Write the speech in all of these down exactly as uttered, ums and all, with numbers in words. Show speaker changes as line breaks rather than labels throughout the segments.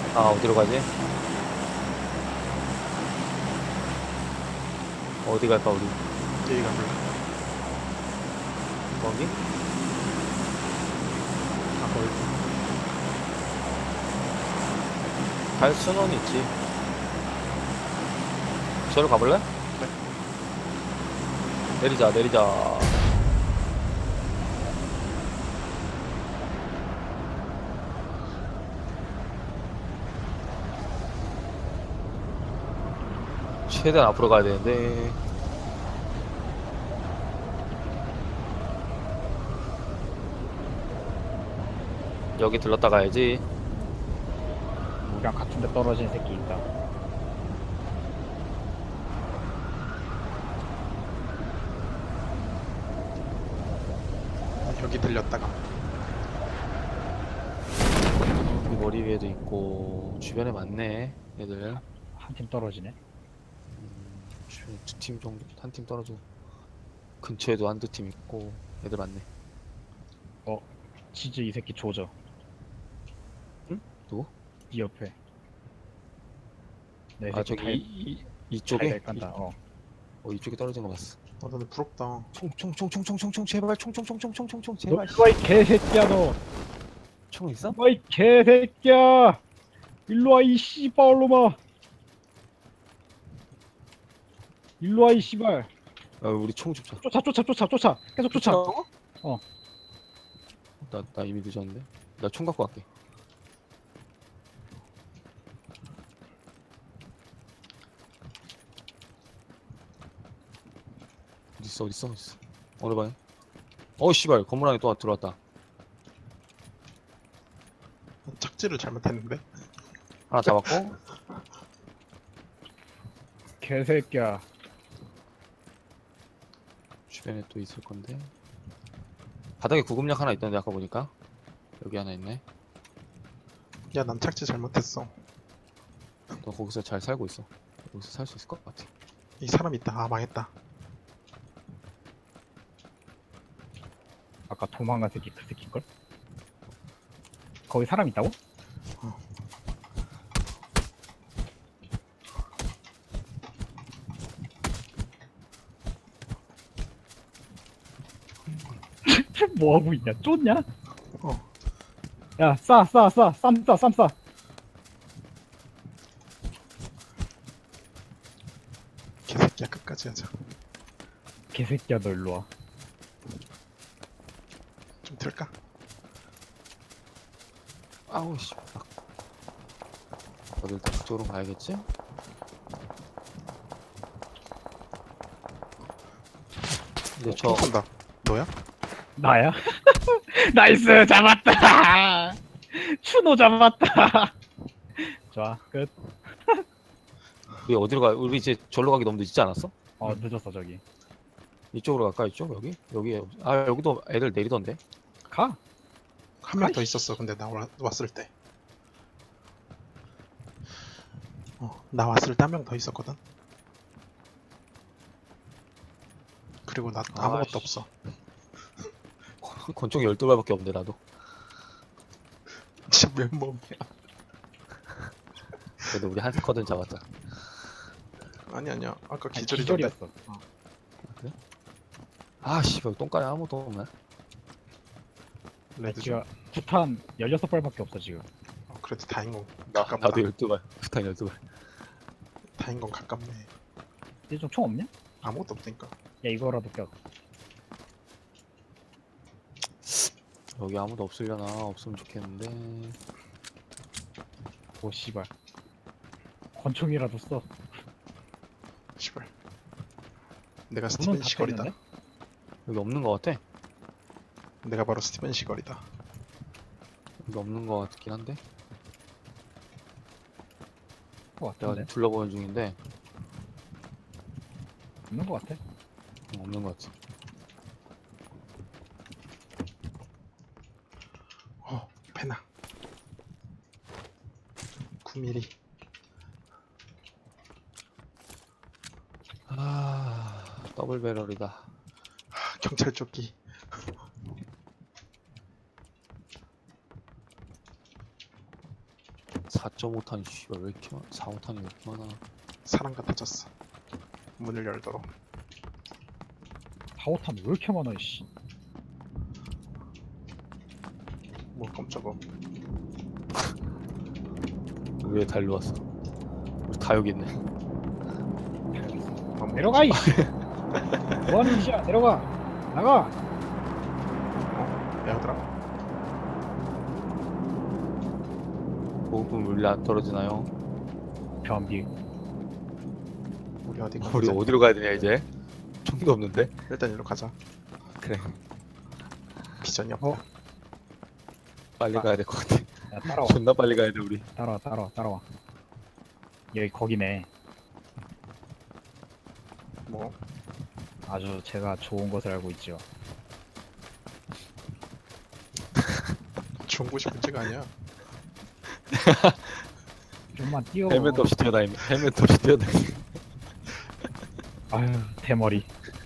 아, 어디로 가지? 어디 갈까, 우리?
여기 가볼래?
거기?
아 거기.
갈 수는 있지. 저로 가볼래?
네.
내리자, 내리자. 최대한 앞으로 가야 되는데. 여기 들렀다 가야지.
우리랑 같은 데 떨어진 새끼 있다.
여기 들렸다가
여기 머리 위에도 있고 주변에 많네 애들.
한 팀 떨어지네.
음, 주변에 두 팀 정도, 한 팀 떨어져. 근처에도 한두 팀 있고 애들 많네.
치즈 이 새끼 조져.
누구?
이 옆에. 내
아
새끼
저기
달-
이, 이, 이쪽에?
달달 깐다. 어.
어 이쪽에 떨어진 거 봤어.
아 근데 부럽다.
총총총총총총총 제발 총총총총총총총 제발.
너 일로와 이 개새끼야 너.
총 있어?
일로와 이 개새끼야. 일로와 이 씨발로마. 일로와 이 씨발.
아 우리 총 줍자.
쫓아 쫓아 쫓아 쫓아. 계속 쫓아. 어.
나, 나 이미 늦었는데. 나 총 갖고 갈게. 어딨어 어딨어 어딨어. 어느 방에? 어 씨발 건물 안에 또 들어왔다.
착지를 잘못했는데.
하나 잡았고.
개새끼야.
주변에 또 있을 건데. 바닥에 구급약 하나 있던데 아까 보니까. 여기 하나 있네.
야 난 착지 잘못했어.
너 거기서 잘 살고 있어. 여기서 살 수 있을 것 같아.
이 사람 있다. 아 망했다.
아까 도망간 새끼 그 새끼걸? 거기 사람 있다고?
어.
뭐 하고 있냐? 쫓냐?
어.
야, 싸, 싸, 싸, 쌈 싸, 쌈 싸.
개새끼야 끝까지 하자.
개새끼야, 너 일로 와.
좀 들까?
아우 씨. 아. 어딜 다 그쪽으로 가야겠지? 근데 저
총 쏜다. 너야?
나야? 나이스, 잡았다. 추노 잡았다. 좋아, 끝.
우리 어디로 가? 우리 이제 절로 가기 너무 늦지 않았어?
어, 늦었어 저기.
이쪽으로 갈까? 이쪽? 여기? 여기 아 여기도 애들 내리던데.
가.
한 명 더
아이씨.
있었어. 근데 나 와- 왔을 때. 어, 나 왔을 때 한 명 더 있었거든. 그리고 나 아무것도
아이씨.
없어.
권총이 열두 발밖에 없는데 나도.
진짜 맨몸이야.
그래도 우리 한 스쿼드는 잡았다.
아니 아니야. 아까
아니,
기절이던데.
기절이었어. 어.
그래? 아 씨발 똥가에 아무도 없네.
레드
지금 구탄 열여섯 발밖에 없어 지금.
어, 그래도 다인 건
나,
가깝다.
나도 열두 발. 스탄 열두 발.
다인 건 가깝네.
이제 좀 총 없냐?
아무것도 없으니까.
야, 이거라도 껴.
여기 아무도 없으려나? 없으면 좋겠는데.
오, 씨발. 권총이라도 써.
시발. 내가
문은
스티븐
닫혀
시걸이다.
있는데?
여기 없는 것 같아.
내가 바로 스티븐 시걸이다.
여기 없는 것 같긴 한데.
거
내가
같은데?
지금 둘러보는 중인데
없는 거 같아.
어, 없는 것 같아.
어, 페나. 구 밀리미터.
아 더블 배럴이다.
아, 경찰 조끼.
사 점 오 탄이 씨발 왜 이렇게 많아? 사, 오 탄이 왜 이렇게 많아?
사람 같아졌어. 문을 열도록.
파워탄 왜 이렇게 많아 씨.
뭐 깜짝아.
왜 달로 왔어? 우리 다 여기 있네.
아, 뭐
내려가 이씨. 뭐하는 짓이야? 내려가. 나가.
어? 얘들아.
보급품 물리 안 떨어지나요?
변비.
우리 어디 가자.
우리 어디로 가야 되냐 이제? 총도 없는데?
일단 일로 가자.
그래
비전이 없다.
어?
빨리
아.
가야 될 것 같아.
야 따라와.
존나 빨리 가야 돼 우리.
따라와 따라와 따라와. 여기 거기네.
뭐
아주 제가 좋은 것을 알고 있죠.
좋은 곳이 문제가 아니야.
좀만 뛰어.
헬멧 없이 뛰어다니면 헬멧 없이 뛰어다니.
아유 대머리.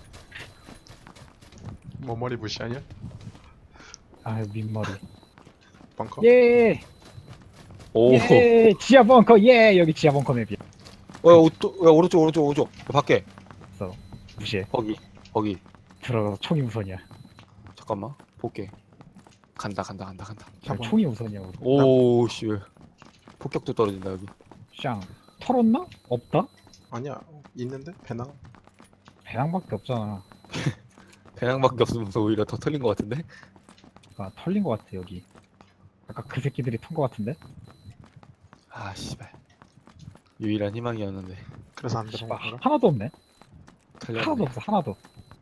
뭐 머리 무시하냐?
아유 민머리.
벙커?
예.
오.
예. 지하 벙커. 예. 여기 지하 벙커 맵이야.
어, 야, 오, 또, 야, 오른쪽, 오른쪽, 오른쪽. 야, 밖에.
그래서 무시해.
거기, 거기.
들어가서 총이 우선이야.
잠깐만. 볼게. 간다, 간다, 간다, 간다.
그냥
한번-
총이 우선이야. 우리.
오, 씨. 왜. 폭격도 떨어진다, 여기.
샹. 털었나? 없다?
아니야. 있는데 배낭.
배낭밖에 없잖아.
배낭밖에 없으면서 오히려 더 털린 것 같은데?
아, 털린 것 같아 여기. 아까 그 새끼들이 턴 것 같은데?
아, 씨발. 유일한 희망이었는데.
그래서 안
씨발,
들어간 거라.
하나도 없네.
털렸네.
하나도 없어. 하나도.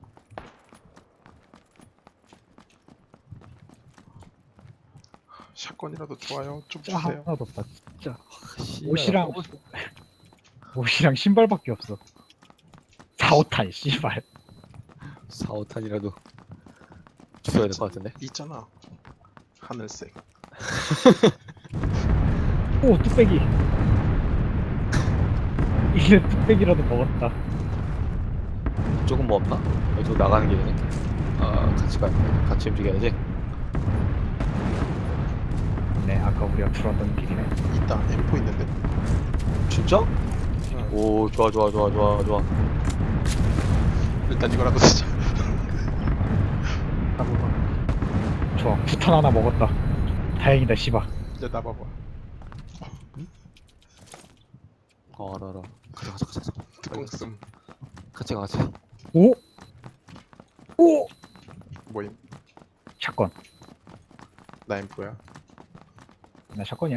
샷건이라도 좋아요. 좀
진짜
주세요.
하나도 없다. 진짜
아, 씨발.
옷이랑 옷이랑 신발밖에 없어. 사, 오탄 씨발.
사, 오 탄이라도 주셔야 될 것 같은데?
있잖아. 하늘색.
오 뚝배기. 이제 뚝배기라도 먹었다.
조금 뭐 없나? 여기 나가는 길이네. 아, 같이 가. 같이 움직여야지.
네 아까 우리가 들어왔던 길이네.
있다. 엠포 있는데.
진짜?
응.
오, 좋아, 좋아, 좋아, 좋아, 좋아.
일단 이거라도 쓰자.
좋아 부탄 하나 먹었다. 다행이다 씨발.
이제 나봐봐.
어, 알아, 알아. 가자, 가자, 가자. 가자.
뚜껑 씀.
같이 가, 같이.
오! 오!
뭐임?
샷건.
나 엠포야.
나 샷건이야.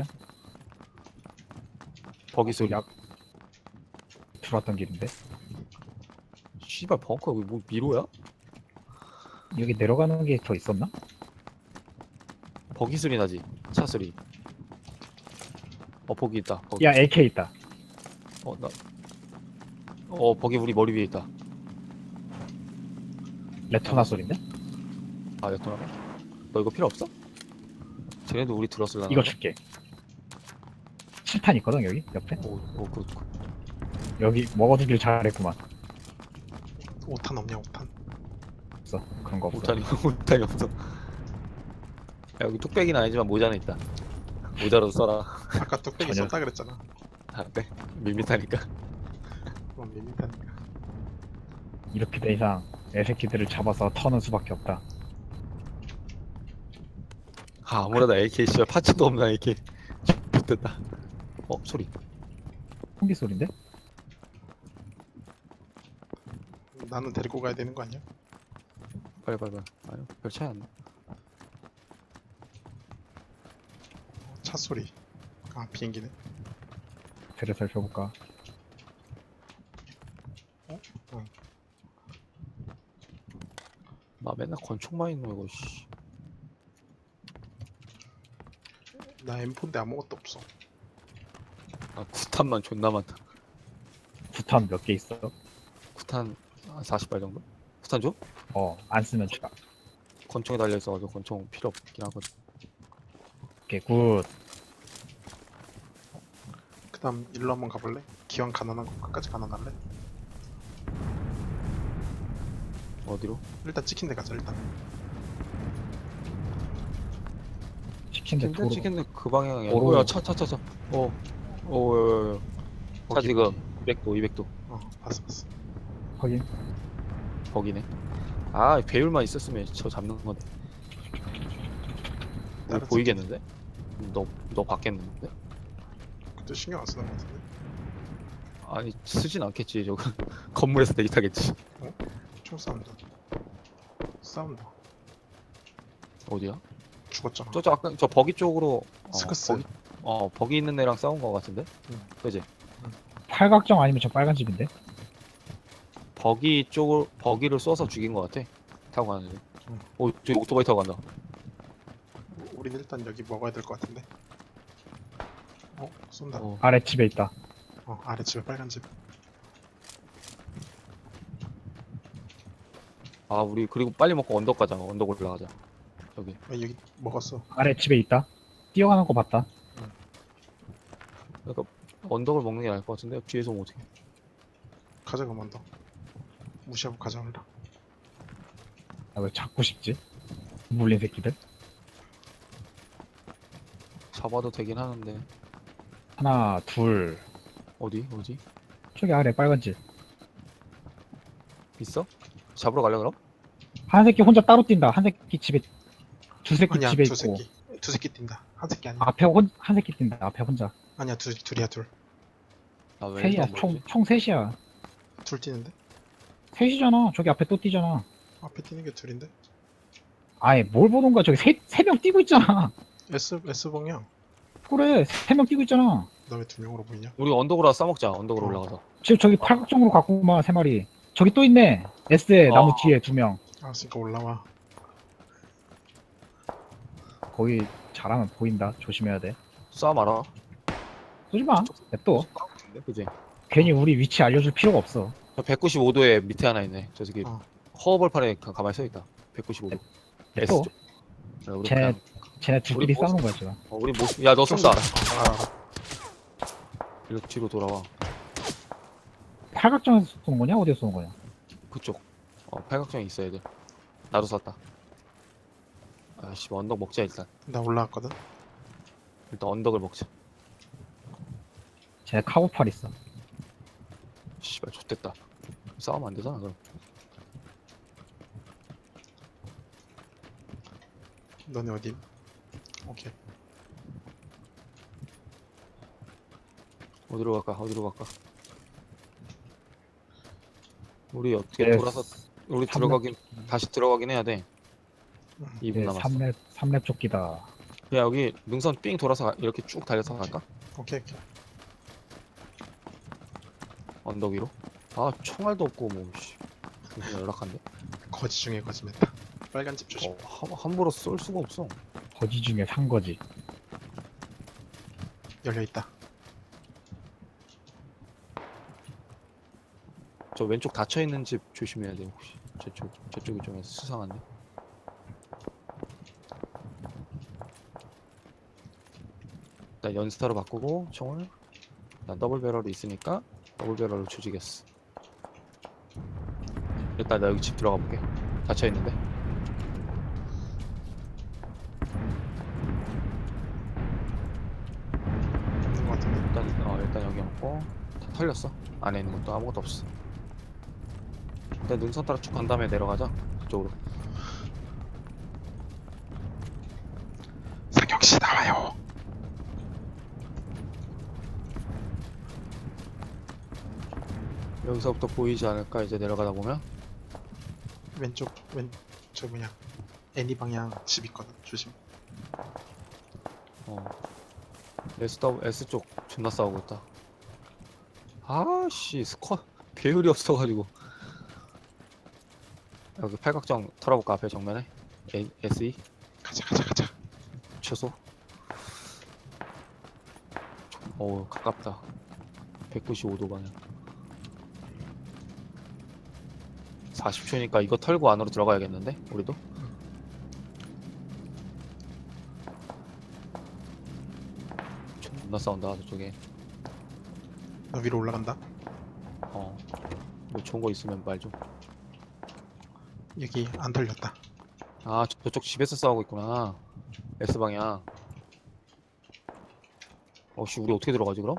버기 소리.
약 들어왔던 길인데.
씨발, 벙커 여기 뭐 미로야?
여기 내려가는 게 더 있었나?
버기 소리 나지? 차 소리. 어, 버기 있다. 버기.
야 에이케이 있다.
어, 나. 어, 버기 우리 머리 위에 있다.
레토나 소린데?
아, 레토나. 너 이거 필요 없어? 쟤네도 우리 들었을라나?
이거 줄게. 칠탄 있거든 여기 옆에.
오, 오, 그, 그.
여기 먹어두길 잘했구만.
오탄 없냐 오탄?
없어 그런 거 없어.
오탄이, 오탄이 없어. 야, 여기 뚝배기는 아니지만 모자는 있다. 모자라도 써라.
아까 뚝배기
전혀.
썼다 그랬잖아.
아, 네. 밋밋하니까.
그럼 밋밋하니까.
이렇게 된 이상 애새끼들을 잡아서 터는 수밖에 없다.
아, 아무래도 에이케이 씨발 파츠도 없나 에이케이. 됐다. 어, 소리.
총기 소린데?
나는 데리고 가야 되는 거 아니야?
빨리 빨리 빨리. 아니, 별 차이 안 나.
차 소리. 아 비행기네.
배를 살펴볼까?
나 맨날 권총만 있는 거 이거 씨.
나 엠포인데 아무것도 없어.
아, 구탄만 존나 많다.
부탄 몇 개 있어?
구탄 사십 발 정도? 구탄 줘?
어, 안 쓰면 추가.
권총에 달려 있어가지고 권총 필요 없긴 하거든.
오케이, 굿.
그다음 일로 한번 가볼래? 기왕 가난한 거 끝까지 가난할래?
어디로?
일단 찍힌 데 가자 일단.
치킨데
치킨데
도로.
치킨데 그 방향이야.
도로.
뭐야 차 차 차 차. 어. 어. 차
거기,
지금
거기.
이백 도 이백 도
어 봤어 봤어.
확인.
거기네. 아 배율만 있었으면 저 잡는 건데. 우리
다른
보이겠는데? 너 너 받겠는데?
그때 신경 안 쓰는 것 같은데.
아니 쓰진 않겠지 저거. 건물에서 대기 타겠지.
총 싸운다. 싸운다.
어디야?
죽었잖아.
저저 아까 저 버기 쪽으로 어,
스크스.
버기, 어 버기 있는 애랑 싸운 거 같은데?
응.
그지?
팔각정 아니면 저 빨간 집인데?
버기 쪽을 버기를 쏘서 죽인 거 같아. 타고 가는데.
응.
오 저기 오토바이 타고 간다.
우린 일단 여기 먹어야 될 것 같은데. 어 쏜다. 어,
어.
아래 집에 있다.
아래 집에 빨간 집.
아 우리 그리고 빨리 먹고 언덕 가자. 언덕 올라가자. 여기.
아, 여기 먹었어.
아래 집에 있다. 뛰어가는 거 봤다.
그러니까 언덕을 먹는 게 나을 것 같은데 뒤에서 오면 어떡해.
가자 그만 더. 무시하고 가져올라.
아, 왜 잡고 싶지? 물린 새끼들.
잡아도 되긴 하는데
하나, 둘.
어디 어디
저기 아래 빨간 집.
있어? 잡으러 갈래 그럼?
한 새끼 혼자 따로 뛴다. 한 새끼 집에 두 새끼
아니야
집에
두
있고
새끼. 두 새끼 뛴다. 한 새끼 아니야.
앞에 혼, 한 새끼 뛴다. 앞에 혼자.
아니야 둘 둘이야 둘.
나왜
셋이야. 총, 총 셋이야.
둘 뛰는데?
셋이잖아. 저기 앞에 또 뛰잖아.
앞에 뛰는 게 둘인데?
아예 뭘 보는 거야. 저기 세, 세 명 뛰고 있잖아.
S S 방향.
그래. 세 명 뛰고 있잖아.
너 왜 두 명으로 보이냐?
우리 언덕으로 싸먹자. 언덕으로
어.
올라가서.
지금 저기 팔각정으로 갖고 마, 세 마리. 저기 또 있네. S에 나무
어.
뒤에 두 명.
알았으니까 올라와.
거기 잘하면 보인다. 조심해야 돼.
싸 말아.
쏘지 마. 냅둬.
그지?
괜히 우리 위치 알려줄 필요가 없어.
저 백구십오 도에 밑에 하나 있네. 저 저기
어.
허벌판에 가- 가만히 서 있다. 백구십오 도. S
냅둬.
쪽. 야, 우리
쟤네,
그냥
쟤네 둘끼리
우리 뭐-
싸우는 거야, 지금.
어, 우리 모습. 야너
좀
쏜다.
쏜다. 어, 알아.
일로 뒤로 돌아와.
팔각정에서 쏘는 거냐? 어디서 쏘는 거냐?
그쪽. 어 팔각정에 있어 애들. 나도 쐈다. 아씨 언덕 먹자 일단.
나 올라왔거든.
일단 언덕을 먹자.
쟤네 카고팔 있어.
씨발 좋됐다. 싸우면 안 되잖아 그럼.
너네 어디? 오케이.
어디로 갈까? 어디로 갈까? 우리 어떻게
네,
돌아서 우리
삼렙.
들어가긴 다시 들어가긴 해야 돼.
응.
이 분
네,
남았어.
삼 렙, 삼 렙 조끼다.
야 여기 능선 삥 돌아서 가- 이렇게 쭉 달려서 갈까?
오케이 오케이.
언덕 위로? 아 총알도 없고 뭐 씨. 무슨 연락한데?
거지 중에 거지맨다. 빨간 집 조심.
어, 함, 함부로 쏠 수가 없어.
거지 중에 산 거지.
열려 있다.
저 왼쪽 닫혀 있는 집 조심해야 돼 혹시. 저쪽 저쪽이 좀 수상한데. 일단 연스타로 바꾸고 총을. 일단 더블 배럴이 있으니까 더블 배럴로 조지겠어. 일단 나 여기 집 들어가 볼게. 닫혀 있는데.
없는 것 같은데.
일단 어 일단 여기 없고 다 털렸어. 안에 있는 것도 아무것도 없어. 일단 능선 따라 쭉 간 다음에 내려가자. 그쪽으로.
상경 씨 나와요.
여기서부터 보이지 않을까 이제 내려가다 보면.
왼쪽 왼저 뭐냐. 애니 방향 집 있거든. 조심.
어. S W S 쪽 존나 싸우고 있다. 아씨 스쿼 배율이 없어가지고. 여기 팔각정 털어볼까 앞에 정면에. A, S E
가자 가자 가자.
최소. 어우 가깝다. 백구십오 도 방향. 사십 초니까 이거 털고 안으로 들어가야겠는데 우리도. 존나 싸운다 저쪽에.
나 위로 올라간다.
어. 뭐 좋은 거 있으면 말 좀.
여기 안 털렸다.
아 저- 저쪽 집에서 싸우고 있구나. S 방향. 어씨 우리 어떻게 들어가지 그럼?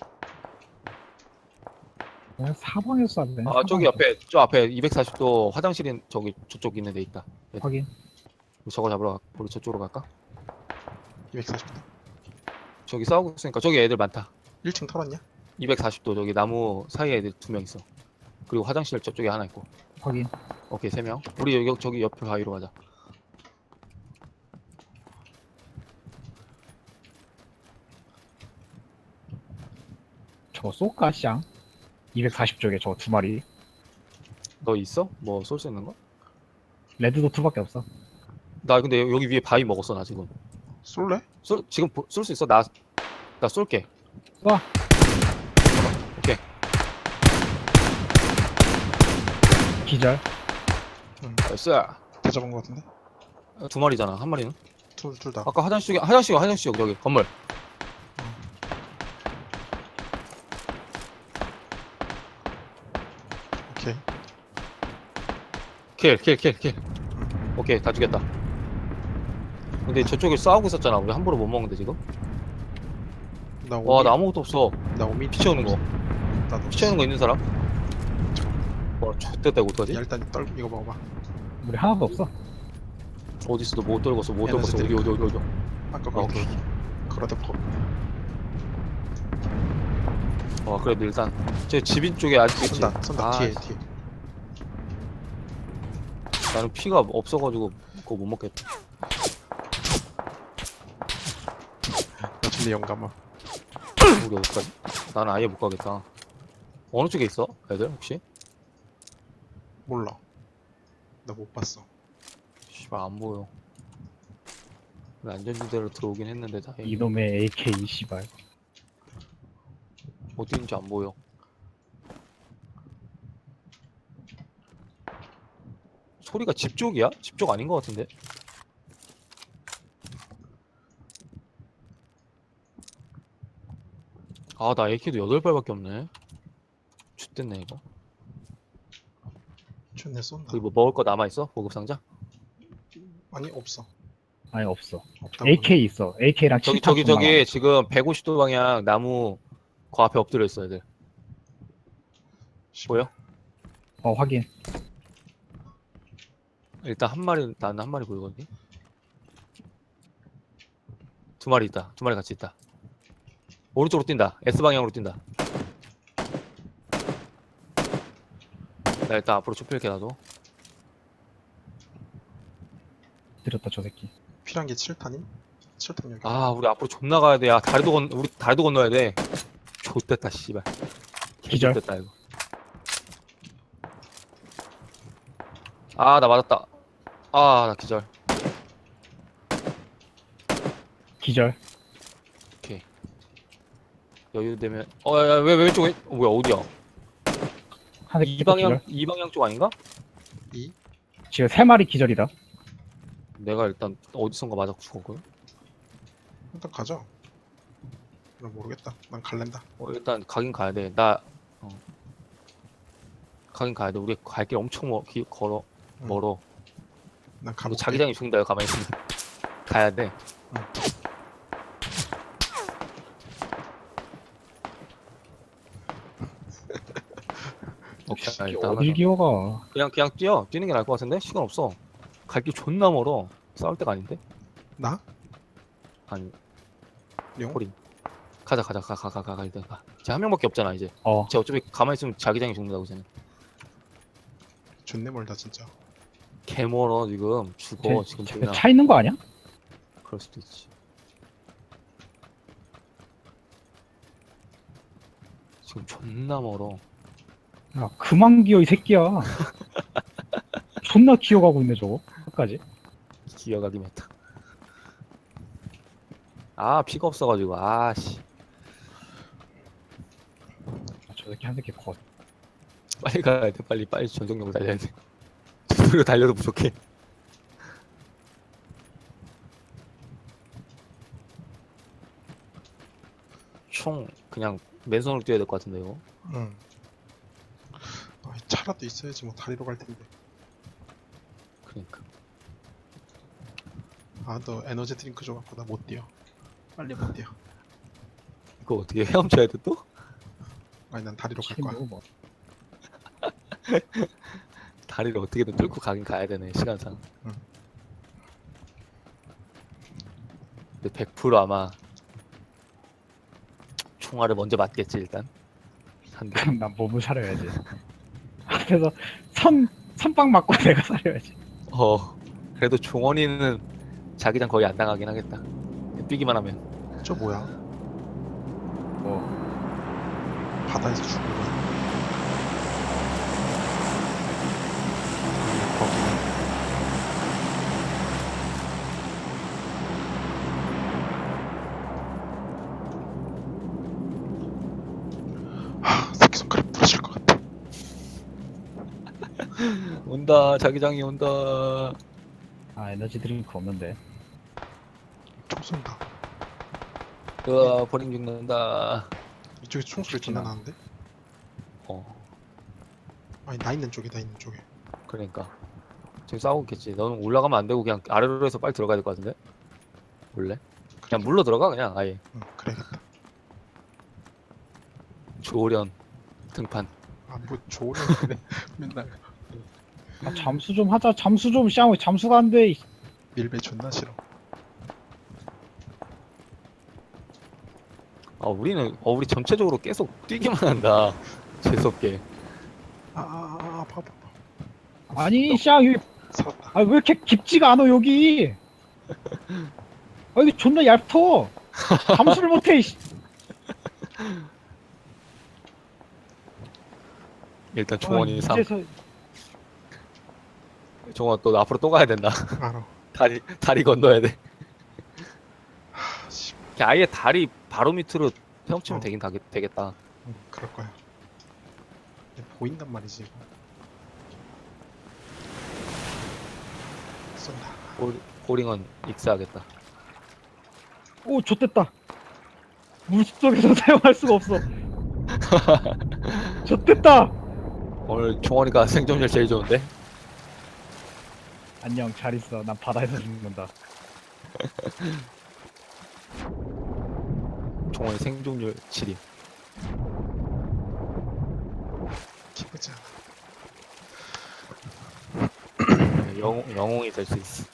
그냥 사방에서 쐈네.
아 저기 앞에 저 앞에 이백사십 도 화장실인 저기 저쪽 있는 데 있다.
확인.
우리 저거 잡으러 가. 우리 저쪽으로 갈까?
이백사십 도.
저기 싸우고 있으니까 저기 애들 많다.
일 층 털었냐?
이백사십 도 저기 나무 사이에 애들 두 명 있어. 그리고 화장실 저쪽에 하나 있고.
확인.
오케이 세 명. 우리 여기 저기 옆에 바위로 가자.
저거 쏠까 쌍? 이백사십 쪽에 저 두 마리.
너 있어? 뭐 쏠 수 있는 거?
레드 도트밖에 없어.
나 근데 여- 여기 위에 바위 먹었어 나 지금.
쏠래?
쏠 지금 쏠 수 있어? 나 나 쏠게.
쏴.
오케이.
기절.
응.
나이스.
다 잡은 거 같은데?
두 마리잖아. 한 마리는?
둘, 둘 다.
아까 화장실 쪽에 화장실 화장실 쪽 저기 건물.
오케이.
킬 킬 킬 킬. 오케이 다 죽였다. 근데 저쪽에 싸우고 있었잖아. 우리 함부로 못 먹는데 지금.
나 오미.
와 나 아무것도 없어.
나 오미.
피 채우는 거.
나도.
피 채우는 거 있는 사람? 와 X됐다 이거 어떡하지?
야, 일단 떨 이거 먹어봐.
우리 하나도 없어.
어딨어 못 떨궜어 못
에너지
떨궜어. 어디 어디 어디 어디.
아까
아,
거기.
오케이.
걸어놓고.
와 그래도 일단 저 집인 쪽에 아직 있지.
쏜다, 쏜다.
아,
뒤에, 뒤에.
나는 피가 없어가지고 그거 못 먹겠다.
나 준비 영감아.
우리 어디까지? 나는 아예 못 가겠다. 어느 쪽에 있어? 애들 혹시?
몰라. 나 못 봤어.
씨발 안 보여. 안전지대로 들어오긴 했는데 다행히
이놈의 에이케이 씨발.
어디 있는지 안 보여. 소리가 집 쪽이야? 집 쪽 아닌 것 같은데? 아 나 에이케이도 여덟 발밖에 없네. X됐네 이거.
준내 쏜다.
거기 뭐 먹을 거 남아있어? 보급상자?
아니 없어.
아니 없어.
없다고.
에이케이 있어. 에이케이랑
저기
칠탄
저기
존나
저기 지금 백오십 도 방향 나무 그 앞에 엎드려 있어 애들. 보여?
많아. 어 확인.
일단 한 마리 나는 한 마리 보이거든. 두 마리 있다. 두 마리 같이 있다. 오른쪽으로 뛴다. S 방향으로 뛴다. 나 일단 앞으로 좁힐게 나도.
들었다 저 새끼.
필요한 게 칠 탄임? 칠 탄 여기.
아 우리 앞으로 존나 가야 돼. 야 다리도 건 우리 다리도 건너야 돼. 좆됐다 씨발.
기절.
됐다 이거. 아 나 맞았다. 아 나 기절.
기절.
오케이. 여유 되면 어야왜 왼쪽 왼 어, 뭐야 어디야?
한 새끼
이
또
방향
기절.
이 방향 쪽 아닌가?
이?
지금 세 마리 기절이다.
내가 일단 어디선가 맞아 죽었거든.
일단 가자. 나 모르겠다. 난 갈랜다.
어, 일단 가긴 가야 돼. 나 어. 가긴 가야 돼. 우리 갈 길 엄청 멀, 기, 걸어
응.
멀어.
난
너
가볼게.
자기장이 죽는다. 여기 가만히 있으면 가야 돼. 오케이. 아, 일단
어딜
하나
기어가.
그냥 그냥 뛰어. 뛰는 게 나을 것 같은데 시간 없어. 갈 길 존나 멀어. 싸울 때가 아닌데?
나?
아니
룡?
코린. 가자 가자 가 가 가 가 가 일단 가. 쟤 한 명밖에 없잖아 이제.
어.
쟤 어차피 가만히 있으면 자기장이 죽는다고 쟤는.
존내 멀다 진짜.
개 멀어 지금. 죽어 지금
쟤,
그냥.
차 있는 거 아니야?
그럴 수도 있지. 지금 존나 멀어.
야 그만 기어 이 새끼야. 존나 기어가고 있네 저거. 끝까지.
기어가기 메타. 아 피가 없어가지고 아씨
저 새끼 한 새끼 컷.
빨리 가야 돼. 빨리 빨리 전속력을 달려야 돼. 저속력 달려도 부족해. 총 그냥 맨손으로 뛰어야 될 것 같은데 이거.
응. 아, 차라도 있어야지 뭐 다리로 갈 텐데.
그러니까.
아, 너 에너지 드링크 줘갖고 나 못 뛰어. 빨리 못 뛰어.
그거 어떻게 헤엄쳐야 돼 또?
아니 난 다리로 갈 거야.
친구 뭐.
다리를 어떻게든 뚫고 가긴 가야 되네 시간상.
응.
근데 백 퍼센트 아마 총알을 먼저 맞겠지 일단. 한 대.
그럼 난 몸을 사려야지. 앞에서 선 선빵 맞고 내가 사려야지.
어. 그래도 종원이는 자기장 거의 안 당하긴 하겠다. 뛰기만 하면.
저 뭐야?
뭐
바다에서 죽은 거야? 거기. 하, 새끼손가락 부러질 것 같아.
온다 자기장이 온다.
아 에너지 드링크 없는데.
총 쏜다.
으아 버링 죽는다.
이쪽에 총소리 존나 나는데?
어
아니 나 있는 쪽에 나 있는 쪽에.
그러니까 지금 싸우고 있겠지. 너는 올라가면 안 되고 그냥 아래로 해서 빨리 들어가야 될 것 같은데? 원래? 그냥 물로 들어가 그냥 아예.
응 그래야겠다.
조련 등판.
아뭐 좋으려 그래. 맨날
아, 잠수 좀 하자. 잠수 좀 쌍 잠수가 안 돼.
밀배 존나 싫어.
아 우리는 어 우리 전체적으로 계속 뛰기만 한다. 재수없게.
아아아 봐봐.
아니 쌍 여기
살았다.
아 왜 이렇게 깊지가 않아 여기. 아 여기 존나 얇터. 잠수를 못해. 이씨.
일단
아,
종원이 삼.
이제서
종원 또 앞으로 또 가야 된다.
알아.
다리 다리 건너야 돼.
하, 씨.
그냥 아예 다리 바로 밑으로 헤엄치면
어.
되긴 다, 되겠다.
응 그럴 거야. 근데 보인단 말이지. 이거. 쏜다.
볼, 볼링은 익사하겠다.
오 좆됐다. 물속에서 사용할 수가 없어. 좆됐다.
오늘 종원이가 생존율 제일 좋은데?
안녕 잘 있어. 난 바다에서 죽는다.
종원이 생존율 칠위.
기쁘지 않아.
영웅, 영웅이 될 수 있어.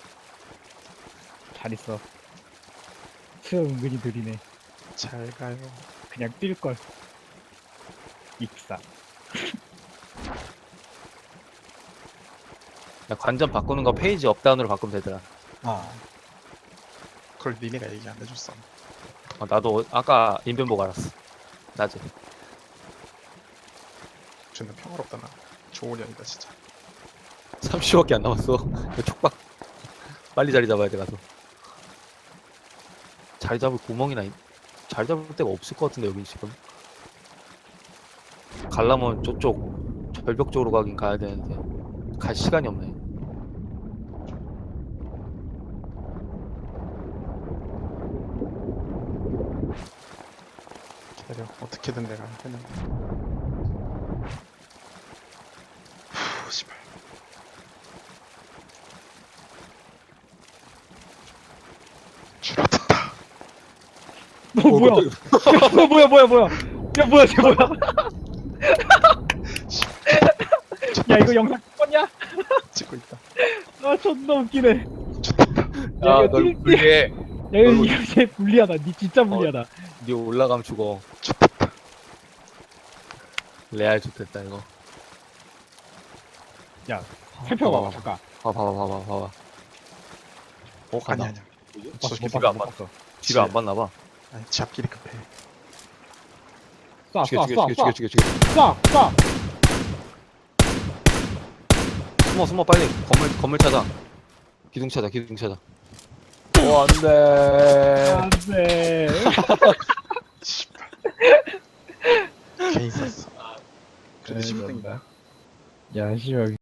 잘 있어. 트 은근히 느리네.
잘 가요.
그냥 뛸 걸. 익사.
야, 관전 바꾸는 거 페이지 업다운으로 바꾸면 되더라.
아
그걸 니네가 얘기 안 해줬어.
어, 나도 아까 인벤 보고 알았어. 낮에.
존나 평화롭다 나. 좋은 년이다 진짜.
삼십 초밖에 안 남았어. 이거 촉박. 빨리 자리 잡아야 돼 가서. 자리 잡을 구멍이나 있... 자리 잡을 데가 없을 것 같은데 여기 지금. 가려면 저쪽 절벽 쪽으로 가긴 가야 되는데 갈 시간이 없네.
기다려. 어떻게든 내가 했는데. 후, 씨발. 줄어든다.
너 뭐야? 야, 너 뭐야 뭐야 뭐야? 야 뭐야 쟤 뭐야? 야 이거 영상 찍었냐?
찍고 있다.
아 존나 웃기네.
좋다.
야,
야,
이거
널
뛸-
불리해.
야 이거 이거 쟤 불리하다. 니 진짜 불리하다.
니 올라가면 죽어.
좋다.
레알 좋겠다 이거.
야 살펴봐봐
어,
잠깐.
봐봐 봐봐 봐봐 봐봐. 어
아니
간다.
아니야.
못
저
봤어,
새끼
못
뒤로 안
봤어, 못 봤어.
뒤를 안 봤나 봐.
아니 지 앞길이 급해.
쏴,
죽여
쏴,
죽여
쏴,
죽여
쏴,
죽여 죽여 죽여.
쏴, 쏴.
숨어 숨어 빨리 건물 건물 찾아. 기둥 찾아 기둥 찾아. 오 안돼.
안돼.
씨발. 괜히 썼어. 그래도
네,
지금 된
그런다.
거야.
야, 씨발.